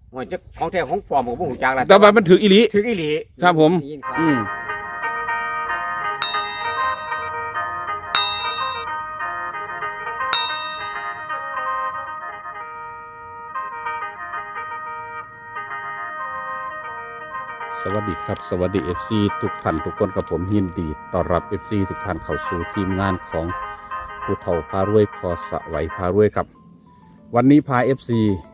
ว่าจะของแท้ของปลอมผมก็บ่รู้จักล่ะแต่ว่ามันถืออีหลีถึงอีหลีครับผมได้ยินข่าวอืมสวัสดีครับสวัสดี FC ทุกท่านทุกคนกับผมยินดีต้อนรับ FC ทุกท่านเข้าสู่ทีมงานของผู้เฒ่าพารวยพอสะไหวพารวยครับ วันนี้พา FC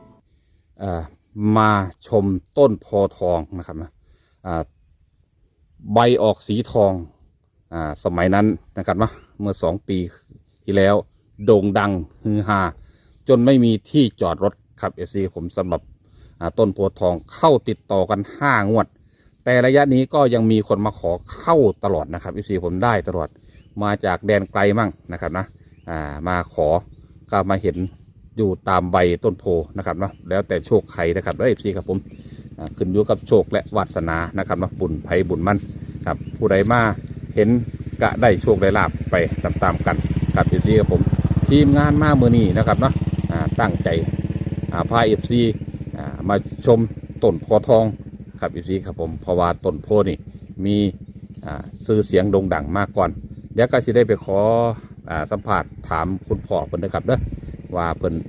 มาชมต้นโพทองนะครับนะใบออกสีทองสมัยนั้นนะครับนะเมื่อ2 ปีที่แล้วโด่งดังฮือฮาจนไม่มีที่จอดรถครับ FC ผมสำหรับต้นโพทองเข้าติดต่อกัน5 งวด แต่ระยะนี้ก็ยังมีคนมาขอเข้าตลอดนะครับ FC ผมได้ตลอดมาจากแดนไกลมั่งนะครับนะมาขอก็มาเห็นอยู่ตามใบต้นโพนะครับเนาะแล้วแต่โชคใครนะครับแล้ว FC ครับผมขึ้นอยู่กับโชคและวาสนานะครับเนาะบุญไผบุญมั่นครับผู้ใดมาเห็นกะได้โชคได้ลาภไปตามๆกันครับ FC ครับผมทีมงานมาเมื่อนี้นะครับเนาะตั้งใจพา FC มาชมต้นโพทองครับ FC ครับผมเพราะว่าต้นโพนี่มีชื่อเสียงโด่งดังมากก่อนเดี๋ยวก็จะได้ไปขอสัมภาษณ์ถามคุณพ่อเพิ่นนะครับเด้อว่าเพิ่น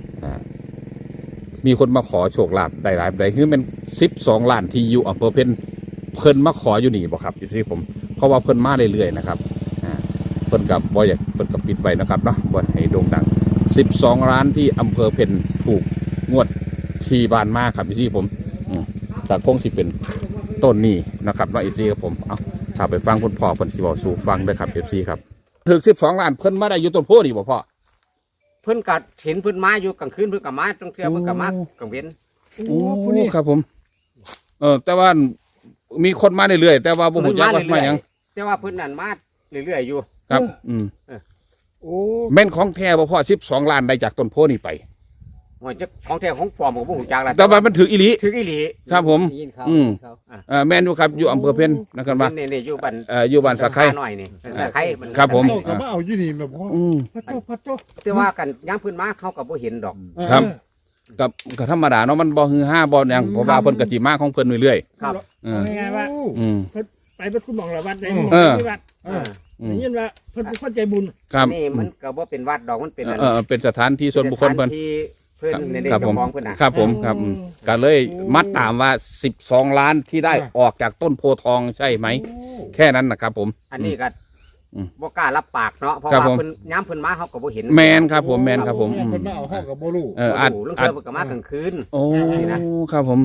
มีคนมาขอโชคลาภได้หลายได้คือเป็น12 ล้านที่อยู่อำเภอเพิ่นมาขออยู่นี่บ่ครับที่ผมเพราะว่าเพิ่นมาเรื่อยๆนะครับเพิ่นกับบ่อยากเพิ่นกับปิดไว้นะครับเนาะบ่ให้โด่งดัง12 ล้านที่อำเภอเพ็ญถูกงวดที่บานมาครับที่ผมแต่คงสิเป็นต้นนี้นะครับว่า FC ครับผมเอาถ้าไปฟังคุณพ่อเพิ่นสิเว้าสู่ฟังเด้อครับ FC ครับถึง12 ล้านเพิ่นมาได้อยู่ต้นโพนี่บ่พ่อเพิ่นก็เห็นเพิ่นมาอยู่กลางคืนเพิ่นก็มาตรงเทื่อเพิ่นก็มากลางเว้นโอ้ครับผมแต่ว่ามีคนมาเรื่อยๆแต่ว่าบ่ฮู้จักว่ามาหยังแต่ว่าเพิ่นนั่นมาเรื่อยๆอยู่ครับโอ้แม่นของแท้บ่พ่อ12 ล้านได้จากต้นโพนี่ไปว่าจะของแท้ของปลอมผมก็บ่รู้จักล่ะแต่ว่ามันถืออีหลีถึงอีหลีครับผมได้ยินข่าวแม่นอยู่ครับอยู่อำเภอเพ็ญนะครับว่านี่อยู่บ้านอยู่บ้านสะไคร้หน่อยนี่สะไคร้มันครับผมเจ้าก็มาเอาอยู่นี่แบบว่าพัดโตแต่ว่ากันย่างเพิ่นมาเขาก็บ่เห็นดอกครับก็ธรรมดาเนาะมันบ่ฮือฮาบ่หยังเพราะว่าเพิ่นก็สิมาของเพิ่นเรื่อยครับๆง่ายๆว่าอืมไปเป็นคุณหมองละวัดได้ ที่วัด ได้ยินว่าเพิ่นเป็นคนใจบุญครับนี่มันก็บ่เป็นวัดดอกมันเป็นเป็นสถานที่ส่วนบุคคลเพิ่นที่เพิ่นในเด็กครับผมเจ้าของเพิ่นน่ะครับผมครับก็เลยมัดตามว่า12 ล้านที่ได้ออกจากต้นโพทองใช่ไหมแค่นั้นนะครับผมอันนี้ก็บ่กล้ารับปากเนาะเพราะครับว่าผมเพิ่นย้ำเพิ่นมาเขาก็บ่เห็นแมนครับผมแมนครับผมคนมาเอาเข้ากับโบลูอัดโอ้โหเรื่องอัดเพิ่นก็มากลางคืนโอ้นี่นะครับผม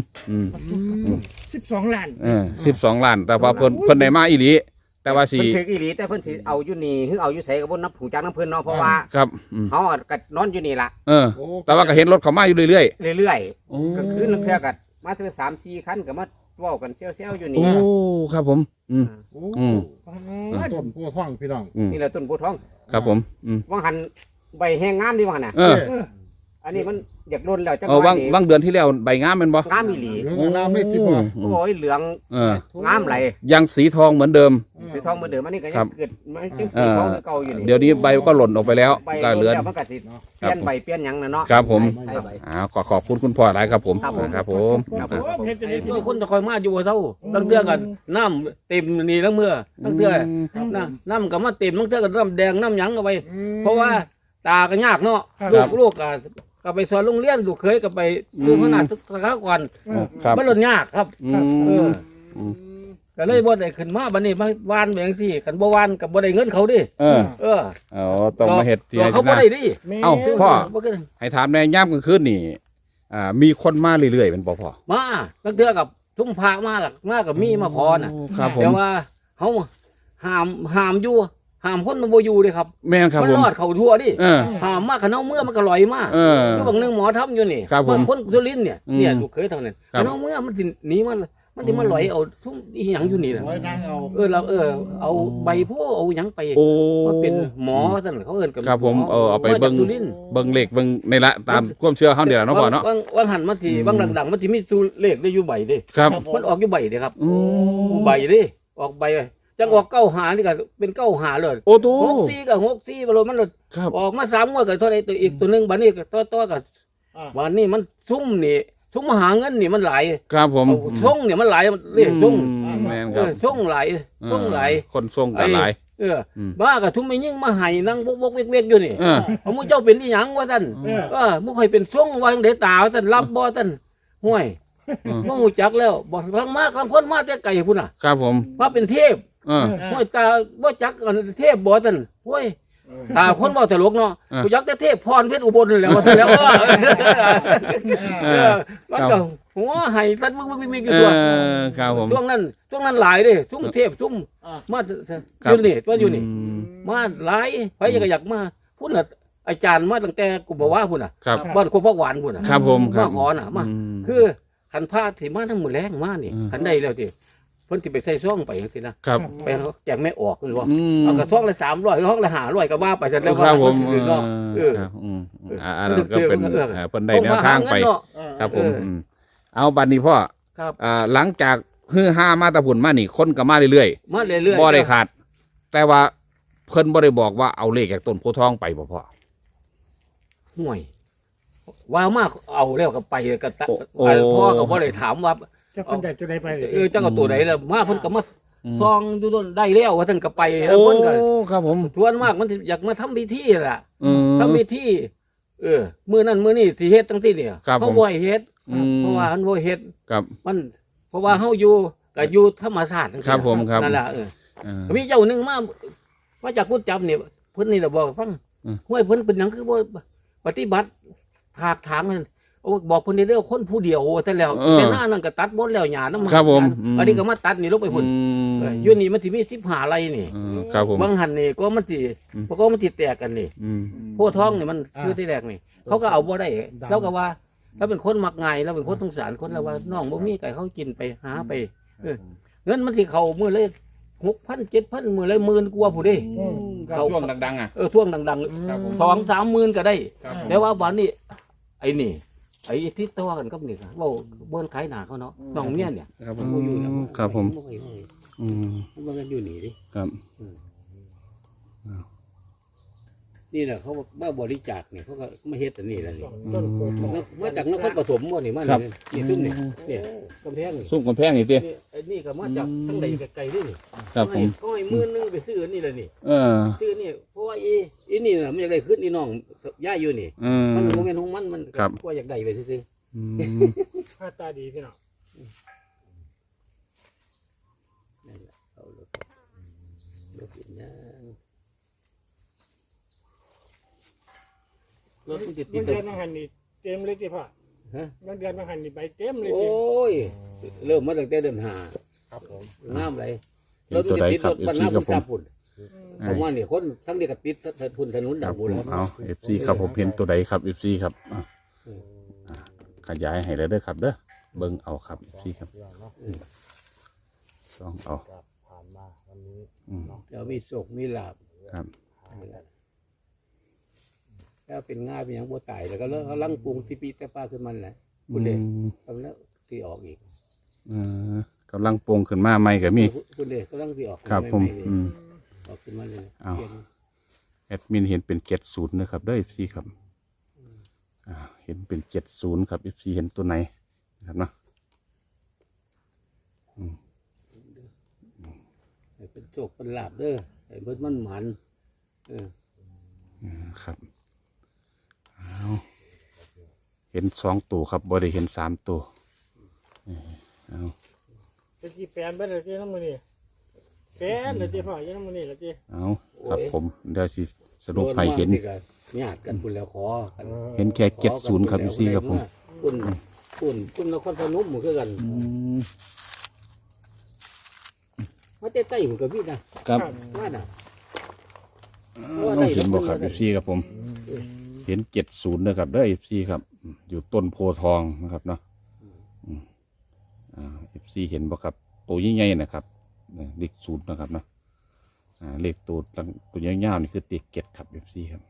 12 ล้าน 12 ล้าน แต่ว่าเพิ่นได้มาอีหลีแต่ว่าสิเพิ่นถึกอีหลีแต่เพิ่นสิเอาอยู่นี่หรือเอาอยู่ไสก็บ่นับหูจักน้ำเพิ่นเนาะเพราะว่าครับเฮาก็นอนอยู่นี่ล่ะแต่ว่าก็เห็นรถเขามาอยู่เรื่อยเรื่อยๆโอ้ๆกลางคืนลางเทื่อก็มาถึง3-4 คันก็มาเว้ากันเซี่ยวๆอยู่นี่โอ้ครับผมต้นโพท่องพี่น้องนี่แหละต้นโพธิ์ทองครับผมว่างหันใบแห้งงามดีว่างหันน่ะอันนี้มันอยากโดนแล้วจังหว่าวะนี้ว่างเดือนที่แล้วใบงามแม่นบ่งามอีหลีเหลืองน้ำไม่ติดบ่โอ้ยเหลืองงามไหลยังสีทองเหมือนเดิมสีทองเหมือนเดิมอันนี้ก็ครัยับงเกิดมันยังสีทองคือเก่าอยู่นี่เดี๋ยวนี้ใบก็หล่นออกไปแล้วใบก็เหลือแล้วมันก็สิเปลี่ยนใบเปลี่ยนหยังน่ะเนาะครับผมใช่ใบขอบคุณคุณพ่อหลายครับผมครับผมครับผมครับผมเฮ็ดจังได๋สิตัวคนจะคอยมาอยู่กับเท่าตั้งเทื่อกันน้ำเต็มนี่ทั้งเมื่อตั้งเทื่อน้ำก็มาเต็มตั้งเทื่อก็น้ำแดงน้ำหยังเอาไปเพราะว่าตาก็ยากเนาะลูกก็ไปสอนโรงเรียนลูกเคยก็ไปดูขนาดสักก่อนครับมันหล่นยากครับ ก็เลยบ่ได้ขึ้นมาบัดนี้มาวานแบบซี่กันบ่วานกับบ่ได้เงินเขาดิต้องมาเฮ็ดที่เขาบ่ได้ดิเอ้าพ่อบ่ขึ้นให้ถามแม่ย่ำกลางคืนนี่มีคนมาเรื่อยๆเป็นพ่อมาตั้งเทื่อกับทุ่มพระมากับมีมาขอน่ะครับผมแต่ว่าเฮาห้ามอยู่ห้ามคนมันบ่อยู่เด้ครับแม่นครับมันผมรอดเข้าทั่วดิเออห้ามมาคันเอาเมื่อมันก็ลอยมา คือบางนึงหมอทำอยู่นี่ครับผมคนสุรินทร์เนี่ยลูกเคยเท่านั้นครับคันเอาเมื่อมันสิหนีมันสิมาลอยเอาทุ่มอีหยังอยู่นี่น่ะไว้นั่งเอาเราเอาใบโพเอาหยังไปโอ้มันเป็นหมอซั่นเขาเอิ้นกับครับผมหเอาไปมาจากเบิ่งสุรินทร์เบิ่งเลขเบิ่งในละตามความเชื่อเฮาเดี๋ยวเนาะพ่อเนาะบางหันมันสิบางดังๆมันสิมีตัวเลขได้อยู่ใบเด้ครับมันออกอยู่ใบเด้ครับอืมใบเด้ออกใบจังออกเก้าหานี่ก็เป็นเก้าหาเลยโอ้โต 64กับ64บ่รู้มันครับออกมา3งวดก็เท่าใดตัวอีกตัวนึงบัดนี้ก็ต่อกับวันนี้มันซุ่มนี่ส่งมาหาเงินนี่มันหลายครับผมเอาส่งเนี่ยมันหลายเรียกส่งแม่นครับส่งหลายส่งหลายคนส่งก็หลายบ้ากับทุ่มไม่ยิ่งมาให้นั่งบกเวกอยู่นี่เออเอามึงเจ้าเป็นที่หยังวะท่านมึงค่อยเป็นส่งวางเดตาท่านรับบ่ท่านห่วยมึงหูจักแล้วบอกทั้งมากทั้งคนมาแต่ไก่พุ่นน่ะครับผมว่าเป็นเทพ ห่วยตาบ่จักกันเทพบ่ท่านห่วยตาคนบ่ตลกเนาะกูยักแต่เทพพรเพชรอุบลนั่นแหล้วว่าซั่นแล้วมันก็หัวให้ตัดมึกอยู่ตัวครับผมช่วงนั้นหลายเด้ช่วงเทพช่วงมาอยู่นี่ตัวอยู่นี่มาหลายไปก็อยากมาพุ่นน่ะอาจารย์มาตั้งแต่กูบอกว่าพุ่นน่ะครับบ้านโคกฟักหวานพุ่นน่ะครับผมครัมาบขอน่ะมาคือขันพาที่มาทั้งหมดแรงมานี่ขันได้แล้วที่เพิ่นสิไปใส่ซ่องไปจังซี่นะครับ ไปแจกไม่ออกเลยว่าเอากระซ่องละ300ซ่องละ500ก็ว่าไปซะแล้วครับผมเนาะเออครับอันนั้นก็เป็นเพิ่นได้แนวทางไป ครับผมเอาบัดนี้พ่อครับหลังจากฮือฮามาตะพุ่นมานี่คนก็มาเรื่อยมาเรื่อยๆบ่ได้ขาด แต่ว่าเพิ่นบ่ได้บอกว่าเอาเลขจากต้นโพธิ์ทองไปบ่พ่อห่วยว่ามากเอาแล้วก็ไปก็ตะโอ้พ่อก็บ่ได้ถามว่าจะคนใดจะได้ไปเจ้าก็ตัวไหนล่ะมาเพิ่นก็มาซองดูต้นได้แล้วว่าท่านก็ไปแล้วเพิ่นก็ครับผมทวนมากมันสิอยากมาทำพิธีล่ะอืมทำพิธีมื้อนั้นมื้อนี้สิเฮ็ดจังซี่เนี่ยครับผมเฮาบ่ให้เฮ็ดอืมเพราะว่าเฮาบ่เฮ็ดครับมันเพราะว่าเฮาอยู่ก็อยู่ธรรมชาติจังซี่ครับผมครับนั่นล่ะ มีเจ้าหนึงมาจากกุดจับเนี่ยเพิ่นนี่ล่ะบอกฟังห้วยเพิ่นเป็นหยังคือบ่ปฏิบัติถากถางนั่นโอ้บอกเพิ่นได้เด้อคนผู้เดียวแต่แล้วแต่หน้านั่นก็ตัดหมดแล้วหญ้านำครับผมอันนี้ก็มาตัดนี่ลงไปพุ่นอยู่นี่มันสิมี15ไร่นี่ครับผมบางหันนี่ก็มันสิก็มันสิแตกกันนี่ โพธิ์ทองนี่มันคือที่แรกนี่เขาก็เอาบ่ได้แล้วก็ว่าแล้วเป็นคนมักง่ายแล้วเป็นคนสงสารคนแล้วว่าน้องบ่มีไก่เขากินไปหาไปเงินมันสิเข้ามื้อเลย6,000 7,000มื้อเลย10,000กว่าผู้เด้เขาช่วงดังๆอ่ะท่วงดังครับผมๆ 2-3 หมื่นก็ได้ครับผมแต่ว่าวันนี้ไอ้นี่ไอ้ที่ตัวกันกับนี่เว้าเบิ่นขายหน้าเขาเนาะน้องเมียเนี่ยครับผมบ่อยู่แล้วครับผมบ่ให้อืมมันบ่กันอยู่นี่ดิครับนี่แหละเขามาบริจาคนี่เขาก็มาเฮ็ดอันนี้แหละนี่ต้นโพธิ์ทองมาจากนครปฐมบ่นี่มาครับนี่ตุ้มนี่เนี่ยกำแพงนี่ซุ่มกำแพงนี่ตินี่ไอ้นี่ก็มาจากทั้งใดไกลๆนี่นี่ครับผมก็ให้มื้อนึงไปซื้ออันนี่แหละนี่ ซื้อนี่เพราะว่าอีนี่น่ะมันอยากได้ขึ้นนี่น้องย่าอยู่นี่มันโมเมนต์ของมันก็อยากได้ไปซื้อหน้าตาดีพี่น้องนั่นแหละเอาเลยรถกินย่างรถมันติดเงินเดือนบางหันนี่เต็มเลยที่พ่อฮะเงินเดือนบางหันนี่ไปเต็มเลยโอ้ที่ยเริ่มมาตั้งแต่เดือนห้าครับผมงามเลยเห็นตัวใดครับบรร FC ณาครับุบญผมทรัพย์พุ่นผมว่าเนี่ยคนทั้งเดียกับติดถนนคดัรับบ บุผญมแล้วเอา FC ครับผมเห็นตัวใดครับ FC ครับขยายให้เลยเด้อครับเด้อเบิ่งเอาครับ FC ครับต้องเอาผ่านมาวันนี้แล้วมีโศกมีลาบครับแล้วเป็นง่ายเป็นอย่างบัวตายแล้วก็เลิกเขาลังปรุงที่ปีแต่ป้าขึ้นมันแหละคุณเด็กทำแล้วที่ออกอีกกำลังปรุงขึ้นมาใหม่ก็มีคุณเด็กก็ลังที่ออกครับผมออกขึ้นมาเลยเอา แอดมินเห็นเป็น70นะครับเด้อ FC ครับเห็นเป็น70ครับ FC เห็นตัวไหนนะครับเนาะเป็นโศกเป็นลาบเด้อไอ้เบิดมันหมันครับเอาเห็น2ตัวครับบ่ได้เห็น3ตัวเอาจะจีแปลนไปเลยที่น้ำมันนี่แปลนเลยที่พ่อยี่น้ำมันนี่เลยที่เอาครับผมเดี๋ยวสิสรุปให้เห็นญาติกันคุณแล้วขอกันเห็นแค่70ครับ FC ครับผมคุณนครพนมเหมือนกันมาเต้ใต้เหมือนกับพี่นะครับ ว่าน่ะเห็นบ่ครับ FC ครับผม เห็น70นะครับเด้อ FC ครับอยู่ต้นโพธิ์ทองนะครับเนาะFC เห็นบ่ครับตัวใหญ่ๆนะครับเลข0นะครับเนาะเลขตัวยาวๆนี่คือติด7ครับ FC ครับ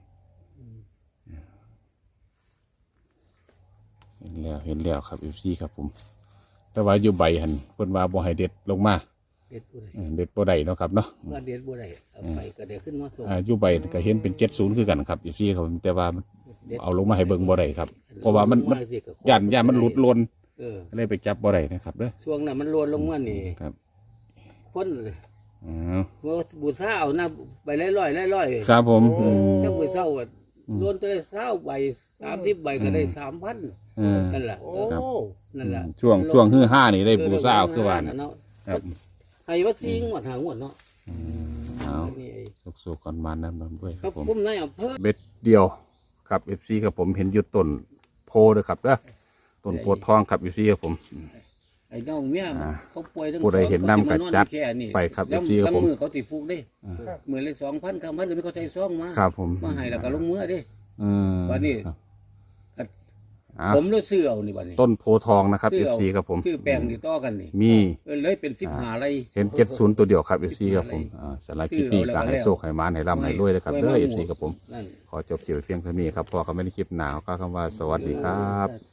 เห็นแล้วครับ FC ครับผมแต่ว่าอยู่ใบหันเพิ่นว่าบ่ให้เด็ดลงมาเด็ดบุไรเด็ดบ่ได้เนาะครับเนาะว่าเด็ดบุไรเอาไปก็เดี๋ยวขึ้นมาส่งอยู่ใบก็เห็นเป็น70คือกันครับ FC ครับผมแต่ว่ามันเอาลงมาให้เบิ่งบ่ได้ครับ เพราะว่ามันย่านมันหลุดลนเลยไปจับบ่ได้นะครับเด้อช่วงนั้นมันโลนลงมานี่ครับคนอ๋อบูชาเอาหน้าใบร้อยๆครับผมจังไปเศร้าก็โลนตัวได้20 ใบ30 ใบก็ได้ 3,000 เออนั่นแหละโอ้นั่นแหละช่วงฮือห้านี่ได้บูซ่าเอาคือว่าน่ะเนาะครับให้วัดซิงหมดหางหมดเนาะเอานี่ไอ้สุกๆก่อนมานั้นด้วยคครัรับบผมผมนายอำเภอเบ็ดเดียวครับ FC ครับผมเห็นอยู่ต้นโพเด้อครับเด้อต้นโพธิ์ทองครับ FC ครับผมไอ้น้องเมียเขาป่วยทั้งผู้ใดเห็นน้ำกัดจัดแค่นี้ไปครับแล้ว FC ครับผมมือเขาติฟุกได้มือเลย2,000 3,000เลยไม่เขาใจซ่องมาครับผมมาให้แล้วก็ลงมือดิ วันนี้อ่าผมเลยซื้อเอานี่บัดนี้ต้นโพธิ์ทองนะครับซื้อเอา FC ครับผมซื้อแปลงนี่ต่อกันนี่มีเลยเป็น15ไร่เห็น70ตัวเดียวครับ FC ครับผมสไลด์คลิปนี้ก็ให้โชคให้มานให้ร่ำให้รวยเลยครับเด้อ FC ครับผมนั่นขอจบเกี่ยวเพียงเท่านี้ครับพอเขาไม่ได้คลิปหนาวก็คำว่าสวัสดีครับ